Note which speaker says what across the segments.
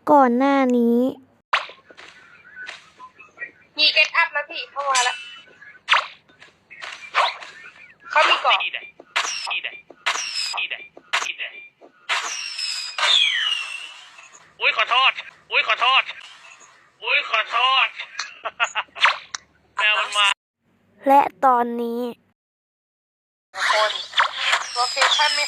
Speaker 1: ก่อนหน้านี้
Speaker 2: มีเกตอัพแล้วพี่เข้ามาแล้วเขามีก่อน
Speaker 3: อุ้ยขอโทษอุ้ยขอโทษอุ้ยขอโทษแมวมันมา
Speaker 1: และตอนนี้
Speaker 2: คนโลเคชั่นไม่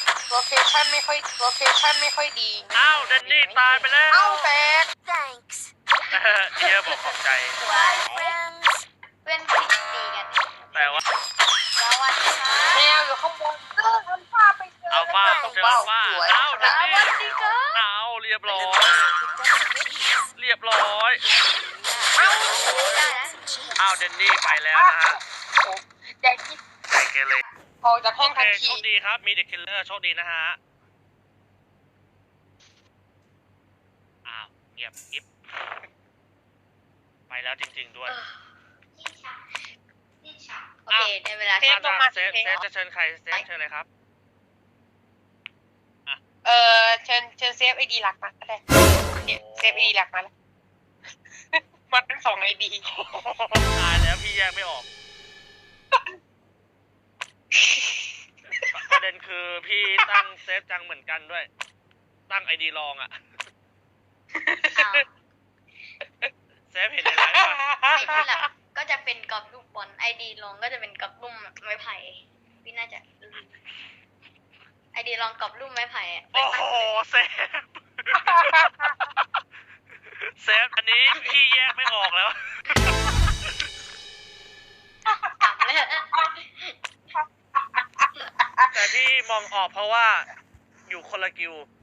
Speaker 2: ค่อยดี
Speaker 3: อ้าวเดนนี่ตายไปแล้ว
Speaker 2: เอ้าแตก
Speaker 4: Thanks.
Speaker 3: เชียร์บอกขอบใจ
Speaker 4: Bye, friends.
Speaker 5: เพื่อนติดตีกัน
Speaker 3: แต่ว่า
Speaker 5: สวัสดีค่ะ
Speaker 2: แมวอยู่ข้างบนอัลฟาไปเจอ
Speaker 3: อัลฟาเจออัลฟา
Speaker 2: สวย
Speaker 3: อ้าวเดนนี่
Speaker 5: สวัสดีค่ะ
Speaker 3: อ้าวเรียบร้อย เรียบร้อย
Speaker 5: ได้นะ
Speaker 3: อ้าวเดนนี่ไปแล้วนะฮะ
Speaker 2: แดกที่
Speaker 3: ใจเกเร
Speaker 2: ออกจากห้
Speaker 3: โอ
Speaker 2: อง
Speaker 3: เค
Speaker 2: ทัน
Speaker 3: โช
Speaker 2: ที
Speaker 3: คดีครับ มีเด็กคิลเลอร์โชคดีนะฮะ อ้าวเงียบกิ๊บไปแล้วจริงๆด้วย
Speaker 5: โอเคได้เวลา
Speaker 3: เซฟจะเชิญใครเซฟเชิญเลยครับ
Speaker 2: เชิญเซฟไอดีหลักมาก็ได้เนี่ยเซฟไอดีหลักมาแล้ว มันเป็น2 ID
Speaker 3: ตายแล้วพี่แยกไม่ออก ประเด็นคือพี่ตั้งเซฟจังเหมือนกันด้วย ตั้งไอดีลองอะเซฟเห็นในไลฟ์ป่ะ
Speaker 5: ไอดีหลักก็จะเป็นกรอบรูปบอลไอดีลองก็จะเป็นกรอบรูปไม้ไผ่พี่น่าจะไอดีลองกรอบรูปไม้ไผ่อะ
Speaker 3: โอ้โหเซฟ เซฟอันนี้พี่แยกไม่ออกแล้ว
Speaker 5: จำเลย
Speaker 3: แต่ที่มองออกเพราะว่าอยู่คนละกิว